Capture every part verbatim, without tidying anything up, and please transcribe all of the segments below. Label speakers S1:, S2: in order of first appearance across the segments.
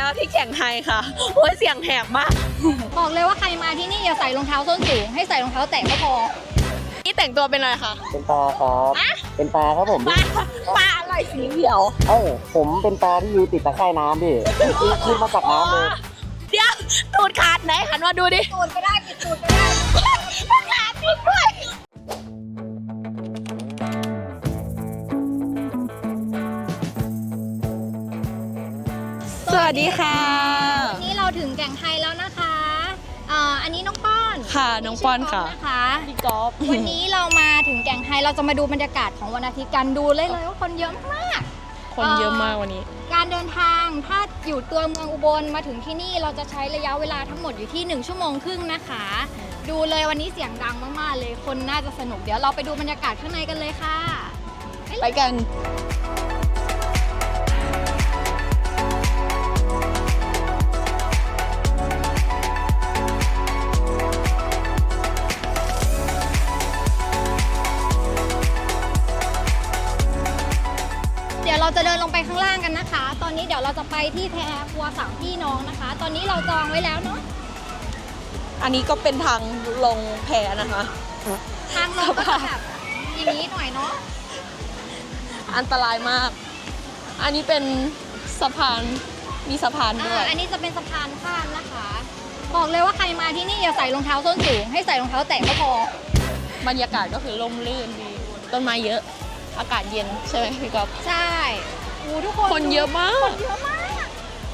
S1: แล้วที่แก่งไฮค่ะโอ้ยเสียงแหบมาก
S2: บอกเลยว่าใครมาที่นี่อย่าใส่รองเท้าส้นสูงให้ใส่รองเท้าแตะก็พอ
S1: นี่แต่งตัวเป็นอะไรคะ
S3: เป็นปลาครับเป็นปลาครับผม
S1: ปลาปลาอะไรสีเขียว
S3: เอ้าผมเป็นปลาที่อยู่ติดตะไคร่น้ำดิขึ้นมาจากน้ำเลย
S1: เดี๋ยวตูดขาดไหนหันมาดูดิ
S2: ตูดก็ได้ปิดตูดก็ได้
S1: ขาดจริงด้วยสวัสดีค่ะ
S2: วันนี้เราถึงแก่งไฮแล้วนะคะอ่าอันนี้น้องป้อน
S1: ค่ะน้องป้อนค่ะ
S2: นะคะ
S1: พี่ก๊อฟ
S2: วันนี้เรามาถึงแก่งไฮเราจะมาดูบรรยากาศของวันอาทิตย์กันดูเลยเลยว่าคนเยอะมาก
S1: คนเยอะมากวันนี้
S2: การเดินทางถ้าอยู่ตัวเมืองอุบลมาถึงที่นี่เราจะใช้ระยะเวลาทั้งหมดอยู่ที่หนึ่งชั่วโมงครึ่งนะคะดูเลยวันนี้เสียงดังมากๆเลยคนน่าจะสนุกเดี๋ยวเราไปดูบรรยากาศข้างในกันเลยค่ะ
S1: ไปกัน
S2: เดี๋ยวเราจะเดินลงไปข้างล่างกันนะคะตอนนี้เดี๋ยวเราจะไปที่แพครัวสามพี่น้องนะคะตอนนี้เราจองไว้แล้วเนาะ
S1: อันนี้ก็เป็นทางลงแพนะคะ
S2: ทางลงก็จะแบบอย่างนี้หน่อยเนาะ
S1: อันตรายมากอันนี้เป็นสะพานมีสะพานด้วย
S2: อันนี้จะเป็นสะพานข้ามนะคะบอกเลยว่าใครมาที่นี่อย่าใส่รองเท้าส้นสูงให้ใส่รองเท้าแตะก็พอบ
S1: รรยากาศก็คือร่มรื่นดีต้นไม้เยอะอากาศเย็นใช่ไหมพี่ก๊อฟ
S2: ใช่โอ้ทุกคน
S1: คนเยอะมาก
S2: คนเยอะมาก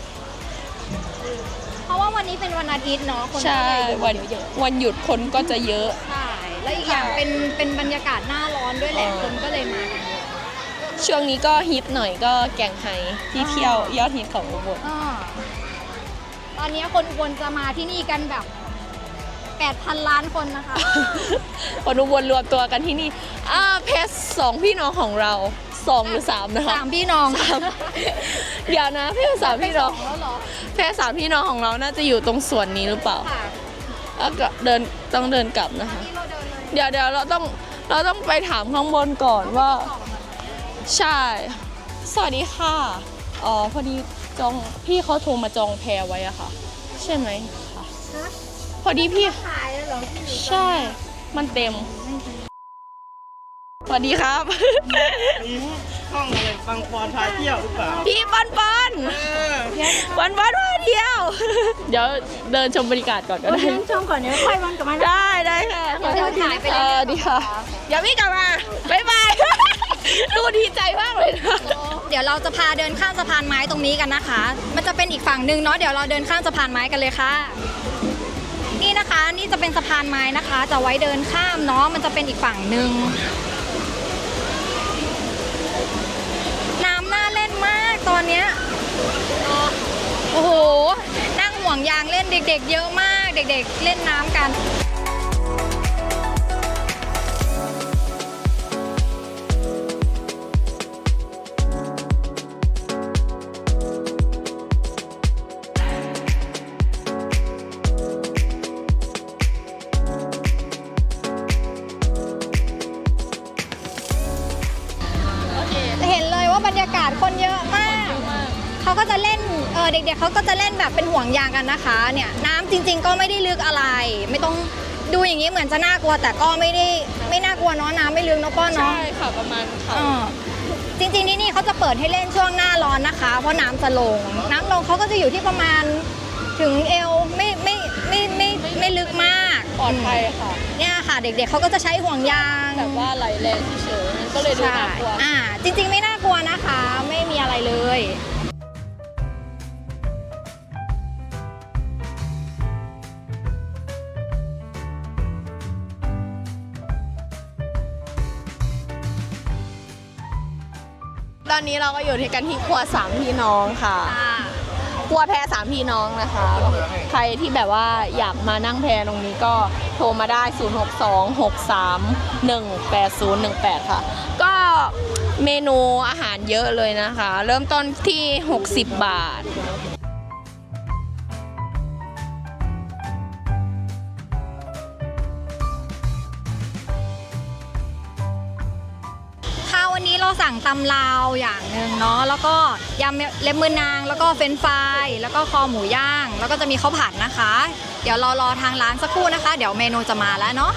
S2: เพราะว่าวันนี้เป็นวันอาทิตย์เนาะคน
S1: ก็เลยวันเยอะวันหยุดคนก็จะเยอะ
S2: ใช่แล้วอีกอย่างเป็นเป็นบรรยากาศหน้าร้อนด้วยแหละคนก็เลยมากันเยอะ
S1: ช่วงนี้ก็ฮิตหน่อยก็แก่งไฮที่เที่ยวยอดฮิตของอุบล
S2: ตอนนี้คนอุบลจะมาที่นี่กันแบบแปดพันล้านคนนะคะ
S1: คนอุบลรวมตัวกันที่นี่อ่าเพชรสองพี่น้องของเราสองหรือสามนะคะ
S2: สามพี่น้อง
S1: เดี๋ยวนะเพชรสามพี่น้องเพชรสามพี่น้องของเราน่าจะอยู่ตรงส่วนนี้หรือเปล่าแล้วก็เดินต้องเดินกลับนะคะเดี๋ยวเดี๋ยวเราต้องเราต้องไปถามข้างบนก่อนว่าใช่สวัสดีค่ะอ๋อพอดีจองพี่เขาโทรมาจองแพรไว้อะค่ะใช่ไหมคะพอดีพี่ใช่มันเต็มสวัสดีครับ
S3: นี่ห้องอะไรปังปอนพาเที่ยวหรือเปล่า
S1: พี่ปอนปอนปอนปอนพาเที่ยวเดี๋ยวเดินชมบรรยากาศก่อนก็ได้
S2: เดินชมก่อนเดี๋ยวค่อยวันกลับมา
S1: ได้ได้ค่ะ
S2: เดี๋ยวถ่ายไปเลย
S1: ดีค่ะอย่าพี่กลับมาบ๊ายบายดูดีใจมากเลยนะ
S2: เดี๋ยวเราจะพาเดินข้ามสะพานไม้ตรงนี้กันนะคะมันจะเป็นอีกฝั่งหนึ่งเนาะเดี๋ยวเราเดินข้ามสะพานไม้กันเลยค่ะนี่นะคะนี่จะเป็นสะพานไม้นะคะจะไว้เดินข้ามเนาะมันจะเป็นอีกฝั่งหนึ่งน้ำน่าเล่นมากตอนเนี้ยโอ้โหนั่งห่วงยางเล่นเด็กๆเยอะมากเด็กๆเล่นน้ำกันเห็นเลยว่าบรรยากาศคนเยอะมากเขาก็จะเล่นเออเด็กๆเขาก็จะเล่นแบบเป็นห่วงยางกันนะคะเนี่ยน้ำจริงๆก็ไม่ได้ลึกอะไรไม่ต้องดูอย่างนี้เหมือนจะน่ากลัวแต่ก็ไม่ได้ไม่น่ากลัวเนาะน้ำไม่ลึกเนาะป้อนเนาะ
S1: ใช่ค่ะประมาณค่ะ
S2: จริงๆที่นี่เขาจะเปิดให้เล่นช่วงหน้าร้อนนะคะเพราะน้ำจะลงน้ำลงเขาก็จะอยู่ที่ประมาณถึงเอวไม่ไม่ไม่ไม่ไม่ลึกมาก
S1: ปลอดภัยค่ะ
S2: เนี่ยค่ะเด็กๆเขาก็จะใช้ห่วงยาง
S1: แบบว่าไหลแรงเฉยๆก็เลยดูน่ากลัว
S2: อ่าจริงๆไม่น่ากลัวนะคะไม่มีอะไรเลย
S1: ตอนนี้เราก็อยู่ที่กันที่ครัวสามพี่น้องค่ะครัวแพสามพี่น้องนะคะใครที่แบบว่าอยากมานั่งแพตรงนี้ก็โทรมาได้ศูนย์ หก สอง หก สาม หนึ่ง แปด ศูนย์ หนึ่ง แปดค่ะก็เมนูอาหารเยอะเลยนะคะเริ่มต้นที่หกสิบบาท
S2: ค่ะวันนี้เราสั่งตำลาวอย่างหนึ่งเนาะแล้วก็ยำเล็บมือนางแล้วก็เฟรนช์ฟรายแล้วก็คอหมูย่าง แล้วก็จะมีข้าวผัดนะคะ เดี๋ยวเรารอทางร้านสักครู่นะคะ เดี๋ยวเมนูจะมาแล้วเนาะ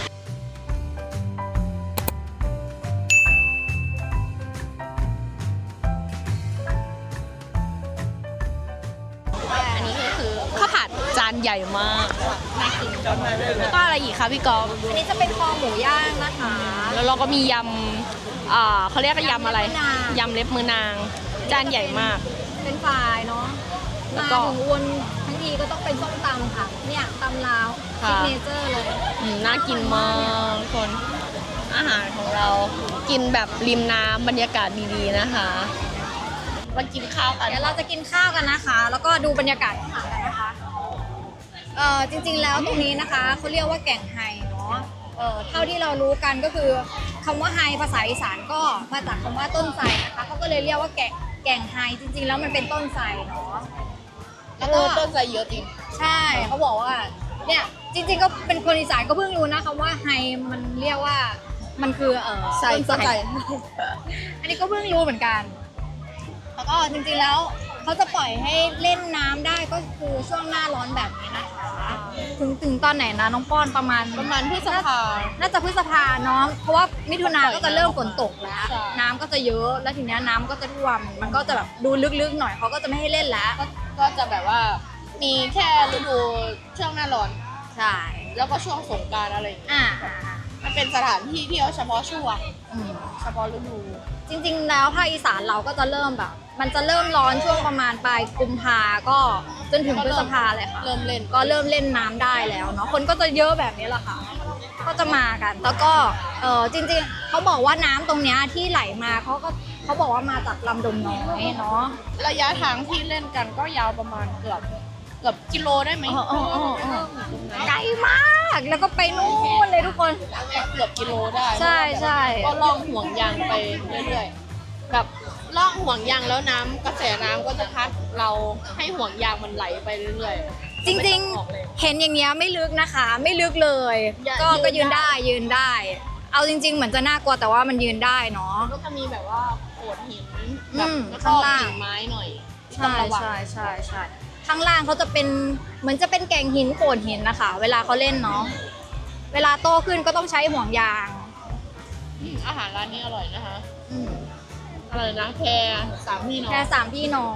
S1: อันนี้ก็คือข้าวผัดจานใหญ่มากน่ากินแล้วก็อะไรอีกคะพี่กอล์ฟ
S2: อันนี้จะเป็นคอหมูย่างนะคะ
S1: แล้วเราก็มียำอ่าเขาเรียกว่ายำอะไร
S2: ยำเล็บมือนาง
S1: ยำเล็บมือนาง จานใหญ่มาก
S2: เป็นฝ่ายเนาะ
S1: แล้
S2: มาว
S1: ก็
S2: ถึงวนทั้งทีก็ต้องเป็นส้มตำค่ะ เนี่ยตำลาว
S1: ค่ะ
S2: ซิกเนเจอร์เลย
S1: อืมน่ากินมากทุกคน อาหารของเรากินแบบริมน้ำบรรยากาศดีๆนะคะมากินข้าวกัน
S2: เดี๋ยวเราจะกินข้าวกันนะคะ แล้วก็ดูบรรยากาศอาหารกันนะคะเอ่อจริงๆแล้วตรงนี้นะคะเขาเรียกว่าแก่งไฮเนาะเอ่อเท่าที่เรารู้กันก็คือคำว่าไฮภาษาอีสานก็มาจากคำว่าต้นไทรนะคะเขาก็เลยเรียกว่าแก่งแก่งไฮจริงๆแล้วมันเป็นต้นไทรเนาะ
S1: แล้วก็ต้นไทรเยอะจริง
S2: ใช่เขาบอกว่าเนี่ยจริงๆก็เป็นคนอีสานก็เพิ่งรู้นะคำว่าไฮมันเรียกว่ามันคือเออ
S1: ใส่
S2: ต้นไทร
S1: ใส่
S2: อันนี้ก็เพิ่งรู้เหมือนกัน แล้วก็จริงๆแล้วเขาจะปล่อยให้เล่นน้ำได้ก็คือช่วงหน้าร้อนแบบนี้นะคะถึงถึงตอนไหนนะน้องป้อนประมาณ
S1: ประมาณพฤษภา
S2: น่าจะพฤษภาเนาะเพราะว่ามิถุนาก็จะเริ่มฝนตกแล้ว
S1: ใช่
S2: น้ำก็จะเยอะแล้วทีเนี้ยน้ำก็จะท่วมมันก็จะแบบดูลึกๆหน่อยเขาก็จะไม่ให้เล่นแล้ว
S1: ก็ก็จะแบบว่ามีแค่ฤดูช่วงหน้าร้อน
S2: ใช่
S1: แล้วก็ช่วงสงกรานต์อะไรอย่างเงี้ย
S2: อ่าอ่าอ่า
S1: มันเป็นสถานที่เที่ยวเฉพาะช่วง
S2: อืม
S1: เฉพาะฤดู
S2: จริงๆ แล้วภาคอีสานเราก็จะเริ่มแบบ มันจะเริ่มร้อนช่วงประมาณปลายกุมภาก็จนถึงพฤษภาเลยค่ะ
S1: เริ่มเล่น
S2: ก็เริ่มเล่นน้ำได้แล้วเนาะคนก็จะเยอะแบบนี้แหละค่ะ ก็จะมากัน แล้วก็เออจริงๆเขาบอกว่าน้ำตรงเนี้ยที่ไหลมาเขาก็เขาบอกว่ามาจากลำดมน้อยเนาะ
S1: ระยะทางที่เล่นกันก็ยาวประมาณเกือบเกือบกิโลได้ไหม
S2: อ๋ออ๋ออ๋ออ๋อ ไกลมากแล้วก็ไปนู่นเลยทุกคน
S1: เกือบกิโลได้
S2: ใช่ใช่
S1: ก็ล่องห่วงยางไปเรื่อยๆแบบล่องห่วงยางแล้วน้ำกระแสน้ำก็จะพัดเราให้ห่วงยางมันไหลไปเรื่อยๆ
S2: จริง
S1: ไม่ต้องออกเลย
S2: ๆ เห็นอย่างเงี้ยไม่ลึกนะคะ ไม่ลึกเลย
S1: อย่า
S2: ก็
S1: ยืน
S2: ก็ยืน
S1: ได้
S2: ได้ยืนได้ เอาจริง ๆ เหมือนจะน่ากลัวแต่ว่ามันยืนได้เนาะ
S1: ก็จะมีแบบว่าโขดหิน
S2: อื
S1: แบบ
S2: ม
S1: แล้วก็
S2: ข้างล่าง
S1: กิ่งไม้หน่อยที่ต้อ
S2: ใช่
S1: งระวัง
S2: ใช่ใช่ใช่ข้างล่างเขาจะเป็นเหมือนจะเป็นแก่งหินโขดหินนะคะ เวลาเขาเล่นเนาะเวลาโตขึ้นก็ต้องใช้ห่วงยาง
S1: อืมอาหารร้านนี้อร่อยนะคะ
S2: อืม
S1: อะไรนะแพรสามพี่น้อง
S2: แค่สามพี่น้อง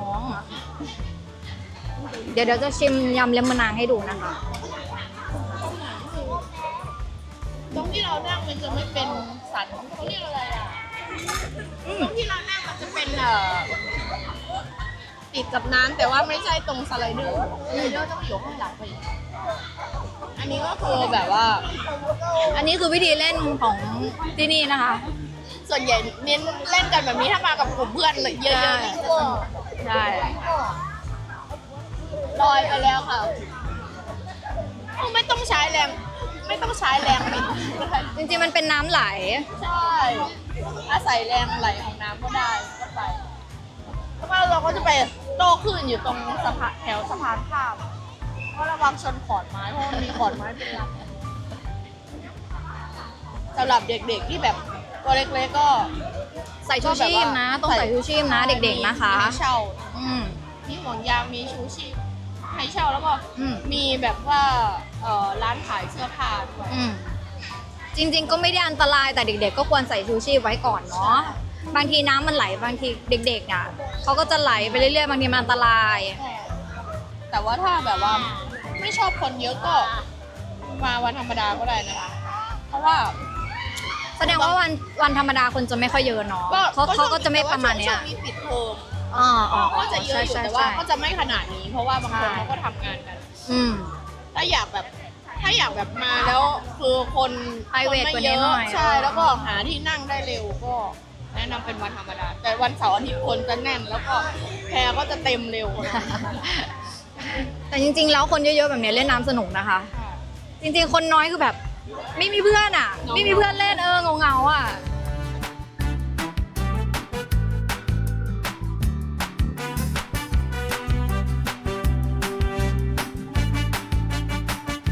S2: เดี๋ยวเดี๋ยวจะชิมยำเล็บมือนางให้ดูนะคะ
S1: ตรงที่เรานั่งมันจะไม่เป็นสันเขาเรียกอะไรอ่ะตรงที่เรานั่งมันจะเป็นเอ่อติดกับน้ำแต่ว่าไม่ใช่ตรงสไลเดอร์สไลเดอร์ต้องอยู่ข้างหลังไปอีกอันนี้ก็คือแบบว่า
S2: อันนี้คือวิธีเล่นของที่นี่นะคะ
S1: ส่วนใหญ่เน้นเล่นกันแบบนี้ถ้ามากับกลุ่มเพื่อนเลยเยอะๆนี่คือ
S2: ใช่
S1: ลอยไปแล้วค่ะไม่ต้องใช้แรง ไม่ต้องใช้แรงบิด
S2: จริงๆมันเป็นน้ำไหล
S1: ใช่อาศัยแรงไหลของน้ำก็ได้ก็ไปแล้วก็เราก็จะไปโต้คลื่นอยู่ตรงสะพานแถวสะพานข้ามก็ระวังชนขอนไม้เพราะมันมีขอนไม้เป็นลำสำหรับเด็กๆที่แบบตัวเล็กๆก็
S2: ใส่ชูชีพนะ ต้องใส่ชูชีพนะเด็กๆนะคะ
S1: มีให้เช่า
S2: อืม
S1: มีห่วงยางมีชูชีพให้เช่าแล้วก็
S2: อืม
S1: มีแบบว่าเอ่อร้านขายเสื้อผ้าด้วย
S2: อืมจริงๆก็ไม่ได้อันตรายแต่เด็ก ๆ ก็ควรใส่ชูชีพไว้ก่อนเนาะบางทีน้ำมันไหลบางทีเด็กๆอ่ะเขาก็จะไหลไปเรื่อยๆบางทีมันอันตราย
S1: แต่ว่าถ้าแบบว่าไม่ชอบคนเยอะก็มาวันธรรมดาก็ได้นะคะ เพราะว่า
S2: แสดงว่าวันวันธรรมดาคนจะไม่ค่อยเยอะเนาะเขาเขาก็จะไม่ประมาณเนี้ย
S1: ช่วงนี้ปิดเทอม
S2: อ๋ออ๋อ
S1: ก็จะเยอะอยู่
S2: ใช่
S1: แต่
S2: ใช่
S1: ว่า
S2: ใช่
S1: ก็จะไม่ขนาดนี้ เพราะว่าบางคน
S2: ใช่
S1: เขาก็ทำงานกัน
S2: อืม
S1: ถ้าอยากแบบถ้าอยากแบบมาแล้วคือคน
S2: private
S1: คน
S2: กว่า
S1: ไม่
S2: นี้
S1: เย
S2: หน่
S1: อะ
S2: อย
S1: ใช่แล้วก็หาที่นั่งได้เร็วก็แนะนำเป็นวันธรรมดา แต่วันเสาร์อาทิตย์คนจะแน่นแล้วก็แพรก็จะเต็มเร็ว
S2: แต่จริงๆแล้วคนเยอะๆแบบเนี้ยเล่นน้ำสนุกนะคะ จริงๆ คนน้อยคือแบบ ไม่มีเพื่อนอ่ะ ไม่มีเพื่อนเล่นเออเงาๆอ่ะ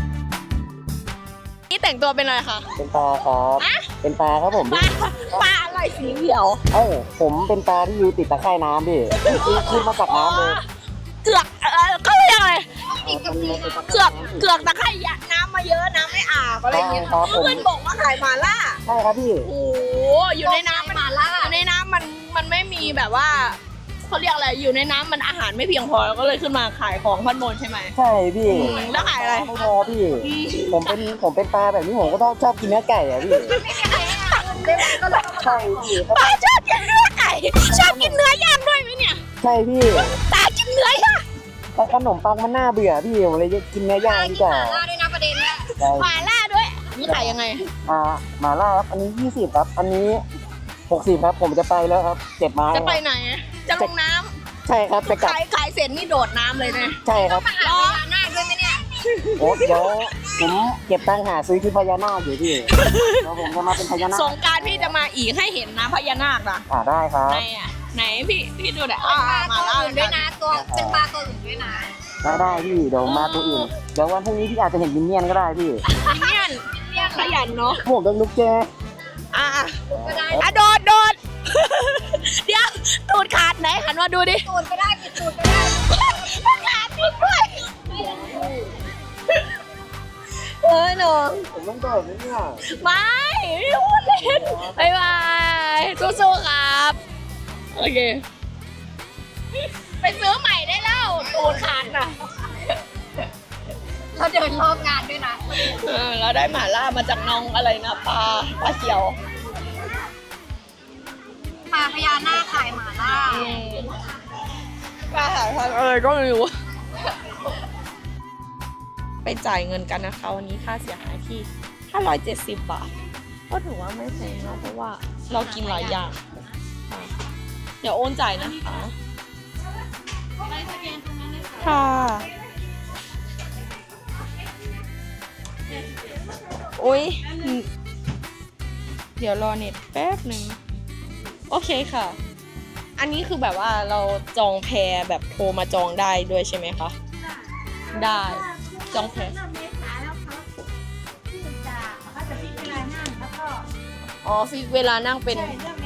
S1: นี่แต่งตัวเป็นอะไรคะ
S3: เป็นปลาครับ
S1: อะ
S3: เป็นปลาครับผม
S1: ปลาปลาอะไรอะไรสีเขียว
S3: เอ้าผมเป็นปลาที่อยู่ติดตะไคร่น้ำพี่คือขึ้นมาจากน้ำเลย
S1: เกือกเออเขาเรียกอะไร
S2: อีกกับสีนะ
S1: เกือกเกือกตะไคร่ยะน้ำมาเยอะน้ำไม่อาบอะไรอย่างเงี้ย
S3: ครับผม
S1: เพื่อนบอกว่าขายหมาล่า
S3: ใช่ครับพี่
S1: โอ้โหอยู่ในน้ำมัน
S2: หมาล่า
S1: อยู่ในน้ำมันมันไม่มีแบบว่าเขาเรียกอะไรอยู่ในน้ำมันอาหารไม่เพียงพอแล้วก็เลยขึ้นมาขายของพันบนใช่ไหม
S3: ใช่พี่
S1: แล้วขายอะไร
S3: ไม่พอพี่ ผมเป็นผมเป็นปลาแบบนี้ผมก็ต้องชอบกินเนื้อไก่อะพี่
S2: ไม่มีใครให้อาหารได้ไหมก็เลย
S3: ใช่พี่
S1: ป้าชอบกินเนื้อไก่ชอบกินเนื้อย่างด้วยไหมเนี่ย
S3: ใช่พี่
S1: ตากินเนื้อย่าง
S3: แต่ขนมปังมันน่าเบื่อพี่ผมเลยกินเนื้อย่างดีกว่า
S2: หมาล่าด้วยนะประเด็นเนี่ย
S3: ใช่
S1: หมาล่าด้วยนี่ขายยังไง
S3: อ่าหมาล่าครับอันนี้ยี่สิบครับ อันนี้หกสิบครับผมจะไปแล้วครับเจ็บไม้
S1: จะไปไหนจะลงน้
S3: ใช่ครับจะ
S1: ำ
S3: กลับ
S1: ขายขายเสร็จนี่โดดน้ำเลยนะ
S3: ใช่ครับ
S2: มาหาพญานาคด้วยไหมเนี่ย
S3: โอ้เดี๋ยวผมเก็บตังค์หาซื้อที่พญานาคอยู่พี่เดี๋ยวผมจะมาเป็นพญานาค
S1: สงกรารพี่จะมาอีกให้เห็นนะพญานาคนะ
S3: อ่าได้ครับ
S1: ไหนอ่ะไหนพี่พี่ดูหน่อยอ่า
S2: ปลา
S1: มา
S2: ตัว
S1: ล่า
S2: อื่นด้วยนะตัวเป็นปลาตัวอื่นด้วยนะ
S3: ได้ได้พี่เดี๋ยวมาตัวอื่นเดี๋ยววันพรุ่งนี้พี่อาจจะเห็นมินเนี่ยนก็ได้พี่
S1: มินเนี่ยนขยันเนาะ
S3: หมวกกันลุกแก
S1: อ่ะ
S2: ก็ได้
S1: อ่ะโดดโดด เดี๋ยวตูดขาดไหนหันมาดูดิ
S2: ตูดก็ได้ปิดตูดก็ได้
S1: ขาดจริงด้วยเออหนู
S3: ผมต้องโดดไหมเนี่ย
S1: ไม่ไม่พูดเล่นบายบายสู้ๆครับโอเคไปซื้อใหม่ได้แล้วตูดขาดน่ะ
S2: เราเดินรอบงานด้วยนะ
S1: เออเราได้หม่าล่ามาจากน้องอะไรนะปลาปลาเขียว
S2: ปลาพญานาคขายหมาล่า
S1: ปลาหาทางเออก็ไม่รู้ ไปจ่ายเงินกันนะคะวันนี้ค่าเสียหายที่ห้าร้อยเจ็ดสิบบาท ก็ถือว่าไม่แพงเนาะเพราะว่าเรากินหลายอย่างค่ะเดี๋ยวโอนจ่ายนะคะค่ะโอ้ยเดี๋ยวรอเน็ตแป๊บหนึ่งโอเคค่ะ อันนี้คือแบบว่าเราจองแพรแบบโทรมาจองได้ด้วยใช่ไหมคะ ได้ จองแพร อ๋อฟิกเวลานั่งเป็น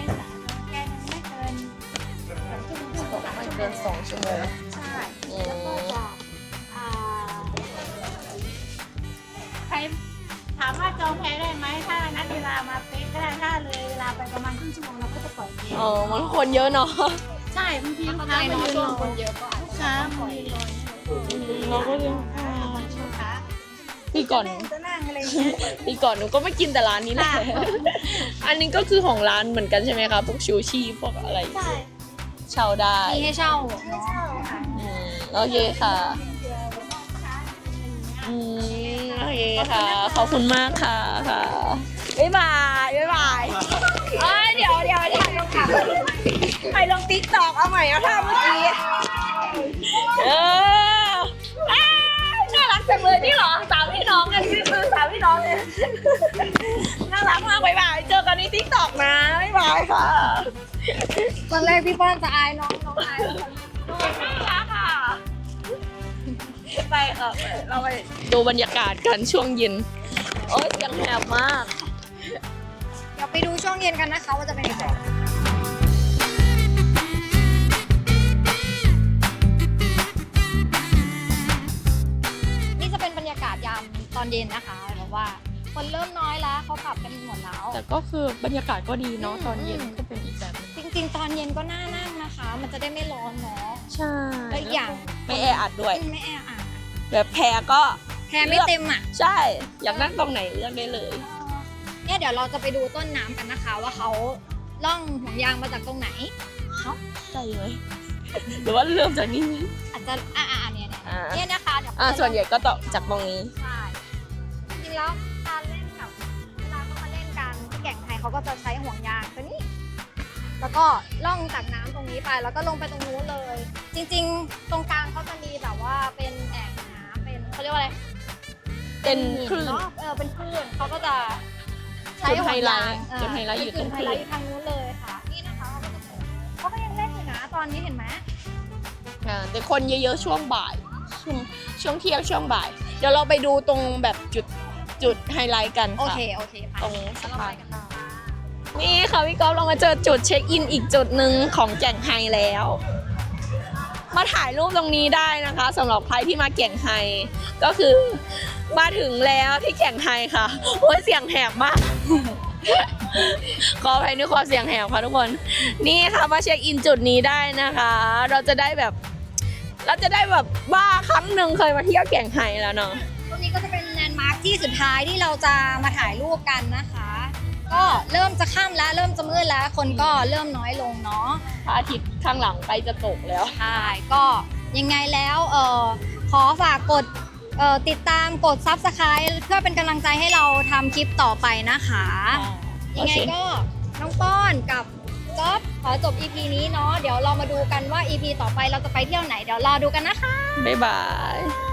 S1: ไม่เกินสองชั่วโมงอืม
S4: ใครถามว่าจองแพ้ได้ไหมถ้านัดเวลามาเป๊ะก็ได้ถ้าเลยเวลาไปประมาณครึ่งชั่วโมงเราก็จะปล่อยเอง
S1: อ๋อมันคนเยอะเนาะ
S4: ใช่บางทีลูก
S2: เข้าใจ
S4: ค้ามา
S2: เนาะ
S4: ยืน
S2: ช่ว
S4: รง อ
S2: คนเยอะก็อาจ
S4: ลูก
S2: จะ
S4: ค้ามายืนรอ
S1: เราก็เลย
S4: ลูกค้า
S1: ปีก่อน
S4: จะนั่งอะไรอย่างเงี้ย
S1: ปีก่อนหนูก็ไม่กินแต่ร้านนี้แหละ อันนี้ก็คือของร้านเหมือนกันใช่ไหมคะพวกชูชีพวกอะไร
S4: ใช่
S1: เช่าได้
S2: มีให้เช่า
S4: ไม่เช่าค่ะ
S1: อืมโอเคค่ะอืมโอเคค่ะ ขอบคุณมากค่ะค่ะบ๊ายบายบ๊ายบายเอ้ยเดี๋ยวเดี๋ยวถ่ายลงค่ะถ่ายลงติ๊กตอกเอาใหม่เอาท่าเมื่อกี้เอออ้าวน่ารักจังเลยนี่เหรอสามพี่น้องกันนี่คือสามพี่น้องเลยน่ารักมากบ๊ายบายเจอกันในติ๊กตอกนะบ๊ายบายค่ะ
S2: ตอนแรกพี่ป้อนจะอายน้องน้องอาย
S1: น่ารักค่ะไปค่ะเราไปดูบรรยากาศกันช่วงเย็นโอ้ยเสียงแหบมาก
S2: เดี๋ยวไปดูช่วงเย็นกันนะคะว่าจะเป็นยังไงนี่จะเป็นบรรยากาศยามตอนเย็นนะคะแบบว่า คนเริ่มน้อยแล้วเขากลับกันหมดแล้ว
S1: แต่ก็คือบรรยากาศก็ดีเนาะตอนเย็นก็เป็นอีกแบบนึง
S2: จริงๆ ตอนเย็นก็น่านั่งนะคะ มันจะได้ไม่ร้อนเนาะ
S1: ใช่
S2: และอีกอย่าง
S1: ไม่แออัดด้วย
S2: ไม่แออัด
S1: แบบแพรก็
S2: แพรไม่เต็มอ่ะ
S1: ใช่ อยากนั่งตรงไหนเลือกได้เลย
S2: เนี่ยเดี๋ยวเราจะไปดูต้นน้ำกันนะคะ ว่าเขาล่องห่วงยางมาจากตรงไหน
S1: ใช่ไหมหรือว่าเริ่มจากนี้
S2: อาจจะอ่าอ่าเนี่ยเนี่ย
S1: อ่า
S2: เนี่ยนะคะเดี๋ยว
S1: อ่าส่วนใหญ่ก็ต่อจากตรงนี้
S2: ใช่จริงๆแล้วการเล่นกับเวลาเขามาเล่นกันที่แก่งไทยเขาก็จะใช้ห่วงยางตัวนี้ แล้วก็ล่องจากน้ำตรงนี้ไปแล้วก็ลงไปตรงนู้นเลย จริงๆ ตรงกลางเขาจะมีแบบว่าเป็นแอ่งน้ำเป็นเขาเรียกว่าอะไร
S1: เป็น
S2: หิ
S1: คลื่น
S2: เนาะเออเป็นคลื่นเขาก็จะใช้
S1: จุดไฮไลท์
S2: ห่วงยาง
S1: จุดไฮไลท์อยู่ตรง
S2: จุดไฮ
S1: คลื่น
S2: ไลท์อยู่ทางนู้นเลยค่ะนี่นะคะเขาก็จะเขาก็ยังเล่นอยู่นะตอนนี้เห็นไหม
S1: อ่าแต่คนเยอะๆช่วงบ่ายช่วงช่วงเที่ยงช่วงบ่าย เดี๋ยวเราไปดูตรงแบบจุดจุดไฮไลท์กัน
S2: โอ
S1: ค่ะ
S2: เคโอเคไป
S1: ตรง
S2: แล้ว
S1: สะ
S2: เรา
S1: พา
S2: ไป
S1: น
S2: กันต่อ
S1: นี่ค่ะค่ะพี่ก๊อฟเรามาเจอจุดเช็คอินอีกจุดหนึ่งของแก่งไฮแล้ว มาถ่ายรูปตรงนี้ได้นะคะสำหรับใครที่มาแก่งไฮก็คือมาถึงแล้วที่แก่งไฮค่ะโอ้ยเสียงแหบมาก ขออภัยในความเสียงแหบค่ะทุกคนนี่ค่ะมาเช็คอินจุดนี้ได้นะคะ เราจะได้แบบ เราจะได้แบบว่าครั้งหนึ่งเคยมาเที่ยวแก่งไฮแล้วเนาะ
S2: ตรงนี้ก็จะเป็นแลนด์มาร์คที่สุดท้ายที่เราจะมาถ่ายรูปกันนะคะ ก็เริ่มจะค่ำแล้วเริ่มจะมืดแล้วคนก็เริ่มน้อยลงเนาะ
S1: พระอาทิตย์ข้างหลังใกล้จะตกแล้ว
S2: ใช่ก็ยังไงแล้วเออขอฝากกดเอ่อติดตามกด ซับสไครบ์ เพื่อเป็นกำลังใจให้เราทำคลิปต่อไปนะคะ ยังไงก็น้องป้อนกับก๊อฟขอจบ อี พี นี้เนาะเดี๋ยวเรามาดูกันว่า อี พี ต่อไปเราจะไปเที่ยวไหนเดี๋ยวรอดูกันนะคะ
S1: บ๊ายบาย